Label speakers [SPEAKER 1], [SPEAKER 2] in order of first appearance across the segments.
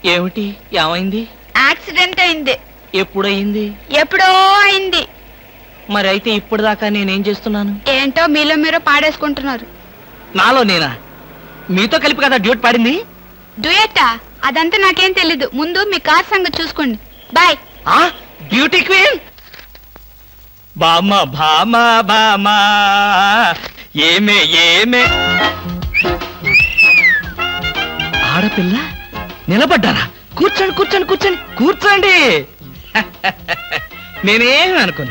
[SPEAKER 1] ఏమిటి? ఏమైంది?
[SPEAKER 2] యాక్సిడెంట్ అయింది.
[SPEAKER 1] ఎప్పుడయింది?
[SPEAKER 2] ఎప్పుడో అయింది.
[SPEAKER 1] మరి అయితే ఇప్పుడు దాకా నేనేం చేస్తున్నాను?
[SPEAKER 2] ఏంటో మీలో మీరు పాడేసుకుంటున్నారు.
[SPEAKER 1] నాలో నేనా? మీతో కలిపి కదా డ్యూట్ పాడింది.
[SPEAKER 2] డ్యూయట్టా? అదంతా నాకేం తెలీదు. ముందు మీ కార్ సంగతి చూసుకోండి. బాయ్.
[SPEAKER 1] బ్యూటీ క్వీన్ బామా బామా బామా ఏమే ఏమే. ఆడపిల్ల నిలబడ్డారా? కూర్చోండి కూర్చోండి కూర్చోండి కూర్చోండి. నేనేమి అనుకోను.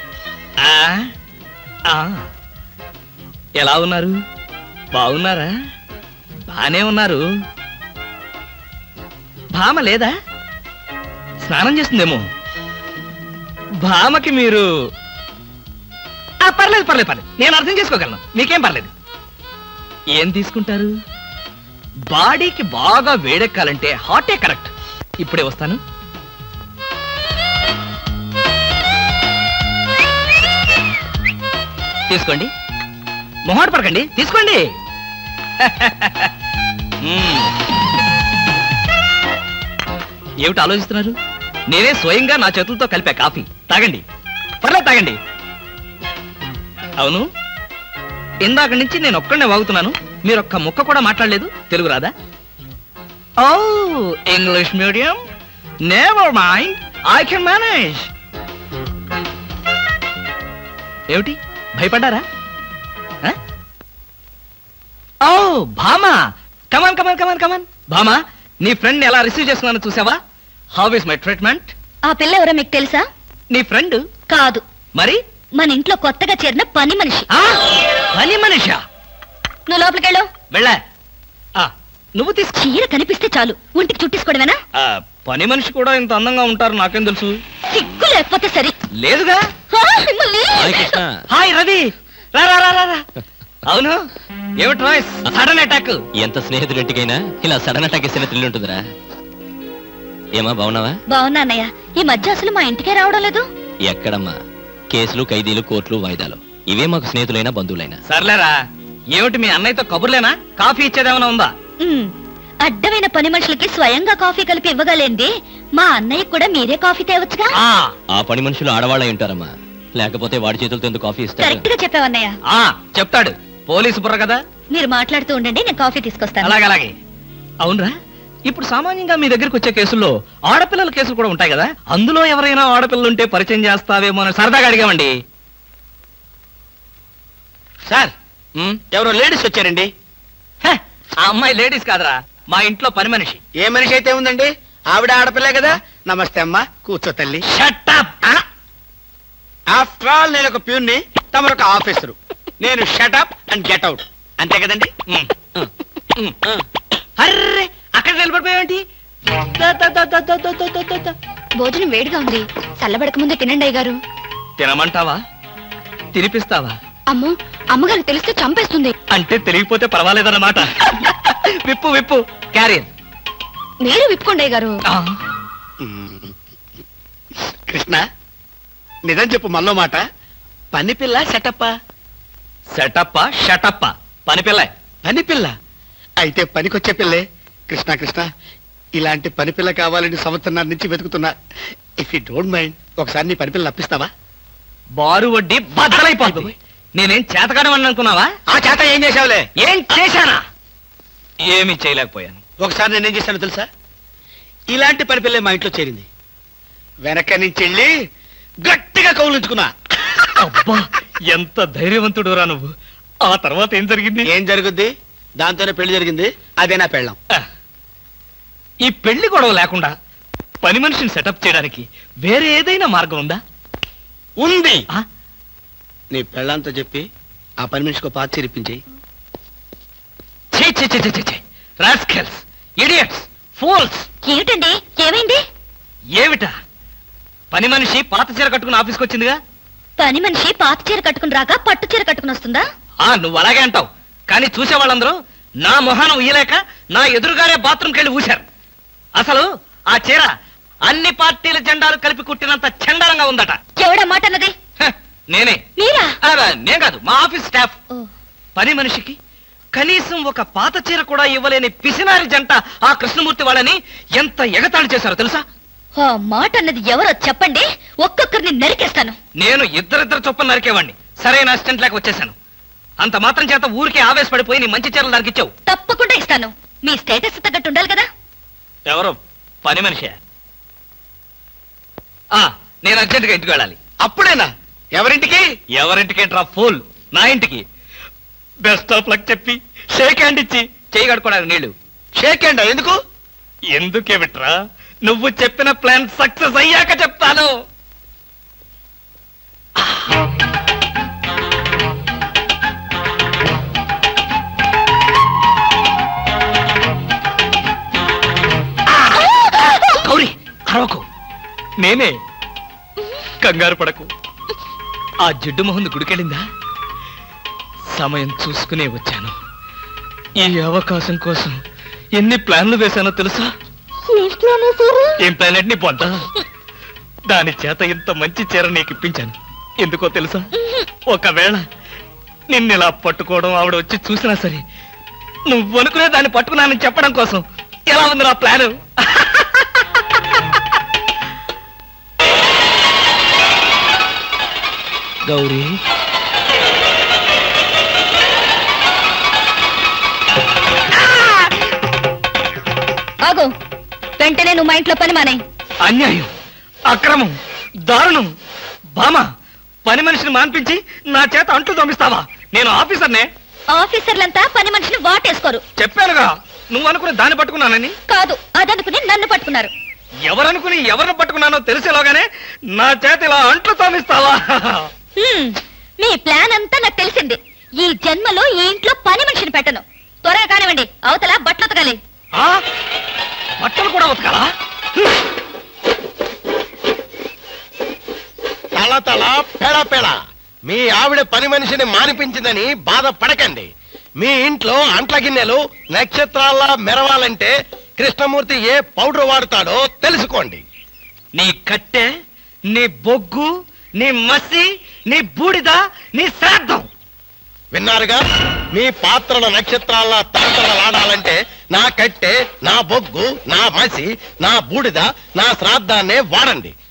[SPEAKER 1] ఎలా ఉన్నారు? బాగున్నారా? బానే ఉన్నారు. భామ లేదా? స్నానం చేస్తుందేమో. భామకి మీరు పర్లేదు పర్లేదు పర్లేదు, నేను అర్థం చేసుకోగలను. మీకేం పర్లేదు. ఏం తీసుకుంటారు? బాడీకి బాగా వేడెక్కాలంటే హాటే కరెక్ట్. ఇప్పుడే వస్తాను. తీసుకోండి, మొహాట పడకండి, తీసుకోండి. ఏమిటి ఆలోచిస్తున్నారు? నేనే స్వయంగా నా చేతులతో కలిపా కాఫీ. తాగండి, పర్లేదు తాగండి. అవును, ఇందాక నుంచి నేను ఒక్కడనే వాగుతున్నాను. మీరు ఒక్క ముక్క కూడా మాట్లాడలేదు. తెలుగు రాదా? ఓ, English medium. Never mind, I can manage. ఏమిటి, భయపడ్డారా? ఓ భామా, కమాన్ కమాన్ కమాన్ కమాన్. భామా, నీ ఫ్రెండ్ ఎలా రిసీవ్ చేస్తున్నానో చూసావా? How is my treatment?
[SPEAKER 3] ఆ పిల్ల ఎవరో మీకు తెలుసా?
[SPEAKER 1] నీ ఫ్రెండ్
[SPEAKER 3] కాదు.
[SPEAKER 1] మరి?
[SPEAKER 3] మన ఇంట్లో కొత్తగా చేరిన పని మనిషి.
[SPEAKER 1] పని మనిషా?
[SPEAKER 3] నువ్వు లోపలికెళ్ళు.
[SPEAKER 1] వెళ్ళా. నువ్వు తీసుకో.
[SPEAKER 3] చీర కనిపిస్తే చాలు ఒంటికి చుట్టేసుకోవడమేనా?
[SPEAKER 1] పని మనిషి కూడా ఇంత అందంగా ఉంటారు నాకేం తెలుసు.
[SPEAKER 3] సిగ్గు లేకపోతే సరే.
[SPEAKER 1] లేదుగా. హాయ్ రవి, రా రా రా రా. అవును, ఏమిటి రాయ్స్ సడన్ అటాక్?
[SPEAKER 4] ఎంత స్నేహితుడింటికైనా ఇలా సడన్ అటాక్ ఇస్తే థ్రిల్ ఉంటుందిరా. ఏమా బాగున్నావా?
[SPEAKER 3] బాగున్నా అన్నయ్య. ఈ మధ్య అసలు మా ఇంటికే రావడం లేదు.
[SPEAKER 4] ఎక్కడమ్మా, కేసులు, ఖైదీలు, కోర్టులు, వాయిదాలు, ఇవే మాకు స్నేహితులైనా బంధువులైనా.
[SPEAKER 1] సర్లేరా, ఏమిటి మీ అన్నయ్యతో కబుర్లేనా? కాఫీ ఇచ్చేదేమైనా ఉందా?
[SPEAKER 3] అడ్డమైన పని మనుషులకి స్వయంగా కాఫీ కలిపి ఇవ్వగలేంది మా అన్నయ్య కూడా మీరే కాఫీ తేవచ్చుగా.
[SPEAKER 4] ఆ పని మనుషులు ఆడవాళ్ళై ఉంటారమ్మా, లేకపోతే వాడి చేతులతో ఎందుకు కాఫీ ఇస్తారు?
[SPEAKER 3] కరెక్ట్ గా చెప్పావన్నయ్య.
[SPEAKER 1] చెప్తాడు, పోలీసు బుర్ర కదా.
[SPEAKER 3] మీరు మాట్లాడుతూ ఉండండి, నేను కాఫీ తీసుకొస్తాను.
[SPEAKER 1] అలాగే అలాగే. అవునరా, ఇప్పుడు సామాన్యంగా మీ దగ్గరికి వచ్చే కేసుల్లో ఆడపిల్లల కేసులు కూడా ఉంటాయి కదా. అందులో ఎవరైనా ఆడపిల్లలు ఉంటే పరిచయం చేస్తావేమో అని సరదాగా అడిగామండి.
[SPEAKER 5] సార్, ఎవరో లేడీస్ వచ్చారండి.
[SPEAKER 1] ఆ అమ్మాయి లేడీస్ కాదురా, మా ఇంట్లో పని మనిషి.
[SPEAKER 5] ఏ మనిషి అయితే ఉందండి, ఆవిడ ఆడపిల్లే కదా. నమస్తే అమ్మా, కూర్చో తల్లి.
[SPEAKER 1] Shut up.
[SPEAKER 5] ఆఫ్టర్ ఆల్ నేను ఒక ప్యూన్ని, తమరొక ఆఫీసరు. నేను షటప్ అండ్ గెట్ అవుట్, అంతే కదండి.
[SPEAKER 1] అర్రే, అక్కడ నిలబడిపోయావేంటి?
[SPEAKER 3] భోజనం వేడిగా ఉంది, చల్లబడక ముందే తినండి అయ్యగారు.
[SPEAKER 1] తినమంటావా? తినిపిస్తావా?
[SPEAKER 3] అమ్మో, అమ్మగారు తెలిస్తే చంపేస్తుంది.
[SPEAKER 1] అంటే తెలియకపోతే పర్వాలేదన్నమాట. విప్పు విప్పు, క్యారియర్.
[SPEAKER 3] మీరు విప్పుకోండి అయ్యగారు.
[SPEAKER 5] కృష్ణ, నిజం చెప్పు, మళ్ళో మాట. పని పిల్ల సెటప్పా?
[SPEAKER 1] సెటప్పా షటప్పా? పని పిల్ల.
[SPEAKER 5] పని పిల్ల అయితే పనికొచ్చే పిల్లే. కృష్ణ కృష్ణ, ఇలాంటి పని పిల్ల కావాలని సంవత్సరం నుంచి వెతుకుతున్నా. ఇఫ్ యూ డోంట్ మైండ్, ఒకసారి నీ పని పిల్ల అప్పిస్తావా?
[SPEAKER 1] బారు వడ్డీ బద్దలైపోతుంది. నేనేం చేతకాడమని అనుకున్నావా?
[SPEAKER 5] ఆ చేత ఏం చేసావులే?
[SPEAKER 1] ఏం చేశానా? ఏమీ చేయలేకపోయాను.
[SPEAKER 5] ఒకసారి నేనేం చేశాను తెలుసా? ఇలాంటి పని పిల్లే మా ఇంట్లో చేరింది. వెనక నుంచి వెళ్ళి గట్టిగా కౌలించుకున్నా.
[SPEAKER 1] అబ్బా, ఎంత ధైర్యవంతుడు రా నువ్వు. ఆ తర్వాత ఏం జరిగింది?
[SPEAKER 5] ఏం జరుగుద్ది? దాంతోనే పెళ్లి జరిగింది. అదే నా పెళ్ళం.
[SPEAKER 1] ఈ పెళ్లి గొడవ లేకుండా పని మనిషిని సెటప్ చేయడానికి వేరే ఏదైనా మార్గం ఉందా?
[SPEAKER 5] ఉంది. నీ పెళ్ళంతో చెప్పి ఆ పని మనిషికి పాత చిరిపించి.
[SPEAKER 1] Rascals, idiots, fools.
[SPEAKER 3] ఏమిటండి, ఏమైంది?
[SPEAKER 1] ఏమిటా? పని మనిషి పాత చీర కట్టుకుని ఆఫీస్కి వచ్చిందిగా.
[SPEAKER 3] పని మనిషి పాత చీర కట్టుకుని రాక పట్టు చీర కట్టుకుని వస్తుందా?
[SPEAKER 1] నువ్వు అలాగే అంటావు, కానీ చూసే వాళ్ళందరూ నా మొహానం ఉయ్యలేక నా ఎదురుగానే బాత్రూమ్కి వెళ్ళి ఊశారు. అసలు ఆ చీర అన్ని పార్టీల జెండాలు కలిపి కుట్టినంత చండాలంగా ఉందట.
[SPEAKER 3] ఎవడా మాట అన్నది?
[SPEAKER 1] నేనే.
[SPEAKER 3] మీరా?
[SPEAKER 1] నేను కాదు, మా ఆఫీస్ స్టాఫ్. పని మనిషికి కనీసం ఒక పాత చీర కూడా ఇవ్వలేని పిసినారి జంట ఆ కృష్ణమూర్తి వాళ్ళని ఎంత ఎగతాళి చేశారో తెలుసా?
[SPEAKER 3] ఆ మాట అన్నది ఎవరో చెప్పండి, ఒక్కొక్కరిని నరికేస్తాను.
[SPEAKER 1] నేను ఇద్దరిద్దరు చొప్పున నరికేవాడిని. సరైన అసిస్టెంట్ లేక వచ్చేసాను. అంత మాత్రం చేత ఊరికే ఆవేశపడిపోయి నీ మంచి చీరలు నరికిచ్చావు.
[SPEAKER 3] తప్పకుండా ఇస్తాను. మీ స్టేటస్ తగ్గట్టు ఉండాలి కదా.
[SPEAKER 1] ఎవరో పని మనిషి. నేను అర్జెంటుగా ఇంటికి వెళ్ళాలి.
[SPEAKER 5] అప్పుడేనా? ఎవరింటికి?
[SPEAKER 1] ఎవరింటికేంట్రా ఫూల్? నా ఇంటికి. బెస్ట్ ఆఫ్ లక్ చెప్పి షేక్ హ్యాండ్ ఇచ్చి చేయి కడుకోవడానికి నీళ్లు.
[SPEAKER 5] షేక్ హ్యాండ్ ఎందుకు?
[SPEAKER 1] ఎందుకే బిట్రా, నువ్వు చెప్పిన ప్లాన్ సక్సెస్ అయ్యాక చెప్తాను. గౌరీ అరవకు. నేనే. కంగారు పడకు. ఆ జిడ్డు మొహంది గుడికెళ్ళిందా? సమయం చూసుకునే వచ్చాను. ఈ అవకాశం కోసం ఎన్ని ప్లాన్లు వేశానో తెలుసా? ఏం ప్లాన్ అంటే నీ పొంత? దాని చేత ఇంత మంచి చీర నీకు ఇప్పించాను. ఎందుకో తెలుసా? ఒకవేళ నిన్నిలా పట్టుకోవడం ఆవిడ వచ్చి చూసినా సరే నువ్వు అనుకునే దాన్ని పట్టుకున్నానని చెప్పడం కోసం. ఎలా ఉంది నా ప్లాను? గౌరీ,
[SPEAKER 3] ఆగు. వెంటనే నువ్వు మా ఇంట్లో పని మానేయ్.
[SPEAKER 1] అన్యాయం, అక్రమం, దారుణం. బామా, పని మనిషిని మాన్పించి నా చేత అంట్లు తోమిస్తావా? నేను ఆఫీసర్నే.
[SPEAKER 3] ఆఫీసర్లంతా పని మనిషిని వాటేసుకోరు.
[SPEAKER 1] చెప్పానుగా, నువ్వు అనుకుని దాన్ని పట్టుకున్నానని.
[SPEAKER 3] కాదు, అదనుకుని నన్ను పట్టుకున్నారు.
[SPEAKER 1] ఎవరనుకుని ఎవరిని పట్టుకున్నానో తెలిసేలోగానే నా చేత ఇలా అంట్లు తోమిస్తావా?
[SPEAKER 3] మీ ప్లాన్ అంతా నాకు తెలిసింది. ఈ జన్మలో ఈ ఇంట్లో పని మనిషిని పెట్టను. త్వరగా కానివ్వండి, అవతల బట్టలు ఉతకాలి.
[SPEAKER 1] బట్టలు కూడా ఉతకాలా?
[SPEAKER 6] తల తల పెడ పెడ మీ ఆవిడ పని మనిషిని మానిపించిందని బాధపడకండి. మీ ఇంట్లో అంట్ల గిన్నెలు నక్షత్రాల్లా మెరవాలంటే కృష్ణమూర్తి ఏ పౌడర్ వాడతాడో తెలుసుకోండి.
[SPEAKER 1] నీ కట్టె, నీ బొగ్గు, నీ మసి, నీ బూడిద, నీ శ్రాద్ధం.
[SPEAKER 6] విన్నారుగా? మీ పాత్రల నక్షత్రాల్లా తలతలలాడాలంటే నా కట్టె, నా బొగ్గు, నా మసి, నా బూడిద, నా శ్రాద్ధాన్నే వాడండి.